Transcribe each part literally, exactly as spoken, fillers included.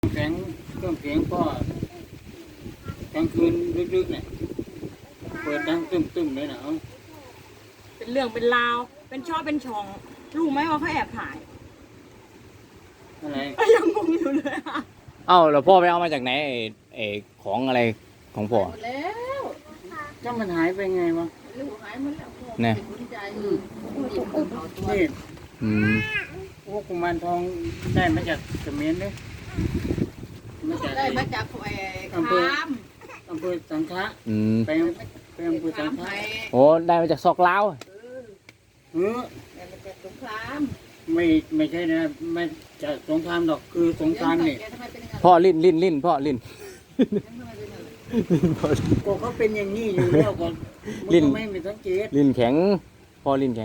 แข็งเครื่องเสียงก็กลางคืนลึกๆเนี่ยเปิดดังตึ้มๆเลยนะเอาเป็นเรื่องเป็นราวเป็นช่อเป็นช่องรู้ไหมว่าเขาแอบถ่ายอะไรก็ยังงงอยู่เลยอะเอ้าแล้วพ่อไปเอามาจากไหนไอ้ไอ้ของอะไรของพ่อหมดแล้วก็มันหายไปไงวะลูกหายหมดแล้วพ่อเนี่ยเป็นคนใจอืมหยิบขึ้นเอาตัวนี่อืมพวกกุมารทองได้มาจากเขมรเลยมาจากได้มาจากไอ้อำเภอคามอำเภอสังขะอืมไปไปอำเภอสังคามขะไทยโอ้ได้มาจากซอกลาวเออเออได้มาจากสงครามไม่ไม่ใช่นะไม่จากสงครามหรอกคือสงครามนี่แกทำไมเป็นอย่างนั้นพ่อลิ้นลิ้นลิ้นพ่อลิ้นทำไมเป็นอย่างนั้นก็เขาเป็นอย่างนี้อยู่แล้วก่อนลิ้นไม่ไม่สังเกตลิ้นแข็งพ่อลิ้นแข็ง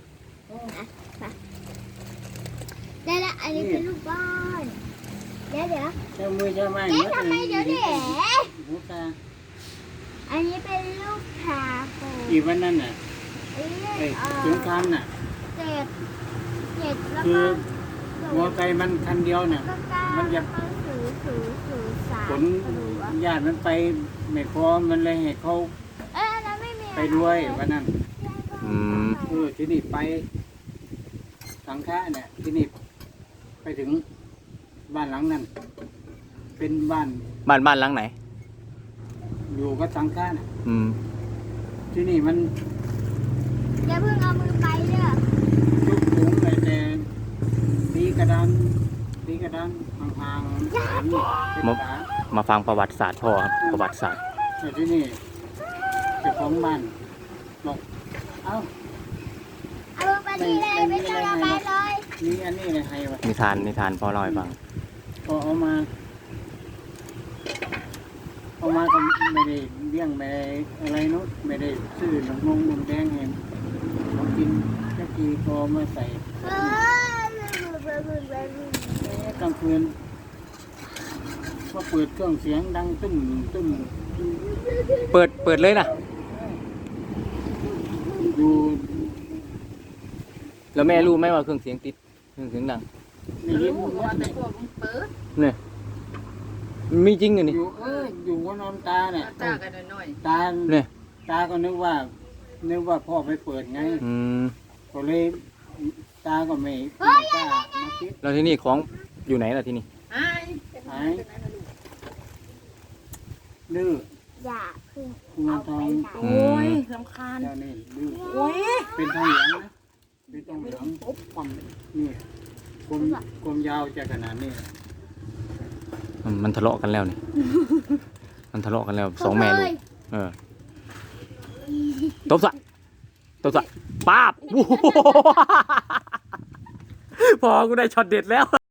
ได้แล้วอันนี้เป็นลูกบอลเดี๋ยวเดี๋ยวเจ้ามือเจ้าไม้เอ๊ะทำไมเดี๋ยวเดี๋ยวหูตาอันนี้เป็นลูกคาโฟอีวันนั้นน่ะเอ้ยไอ้เอ่อสงครามน่ะเจ็ดเจ็ดแล้วคืก็อมอไซค์มันคันเดียวน่ะก็เก้ามันจะแล้วก็ศูนย์ศูนย์ศูนย์สามขนญาติมันไปไม่พอมันเลยให้เขาเอ้ยอันนั้นไม่มีไปด้วยวันนั้นอืมเออที่นี่ไปสังขะเนี่ยที่นี่ไปถึงบ้านหลังนั้น เป็นบ้านบ้านบ้านหลังไหนอยู่กับสังขะน่ะอืมที่นี่มันอย่าเพิ่งเอามือไปเด้อยุคสูงเลยแต่ตีกระดานตีกระดานห่างๆเป็นเป็นฝามาฟังประวัติศาสตร์พ่อครับประวัติศาสตร์แต่ที่นี่เจ้าของบ้านบอกเอ้าเอามือไปที่เลยไม่ต้องเอาไปเลยมีอันนี้อะไรให้วะนิทานนิทานพ่อเล่าให้ฟังพอเอามาเอามาก็ไม่ได้เลี้ยงไม่ได้อะไรนู้นไม่ได้ซื้อนมนมนมแดงเห็นของกินแค่ทีพอมาใส่เออกลางคืนก็เปิดเครื่องเสียงดังตึ้มตึ้มเปิดเปิดเลยนะอยู่แล้วแม่รู้ไหมว่าเครื่องเสียงติดเครื่องเสียงดังในยินรู้ว่าแต่พวกมึงเปิดเนี่ยมีจริงเหรอนี่อยู่เอออยู่ก็นอนตาเนี่ยจ้ากันหน่อยตาเนี่ยตาก็นึกว่า นึกว่าพ่อไปเปิดไงอืมก็เลยตาก็ไม่ไม่กล้ามาคิดแล้วที่นี่ของอยู่ไหนล่ะที่นี่ๆหายเป็นหายเป็นอะไรลูกดื้ออย่าเพิ่งกุมารทองโอ้ยรำคาญเจ้านี่ดื้อโอ้ยเป็นทองเหลืองนะเป็นทองเหลืองปุ๊บความนี่กลมกลมยาวจะขนาดนี้มันมันทะเลาะกันแล้วนี่ มันทะเลาะกันแล้วสองแม่ลูกเออตบสะตบสะป้าบ พอกูได้ช็อตเด็ดแล้ว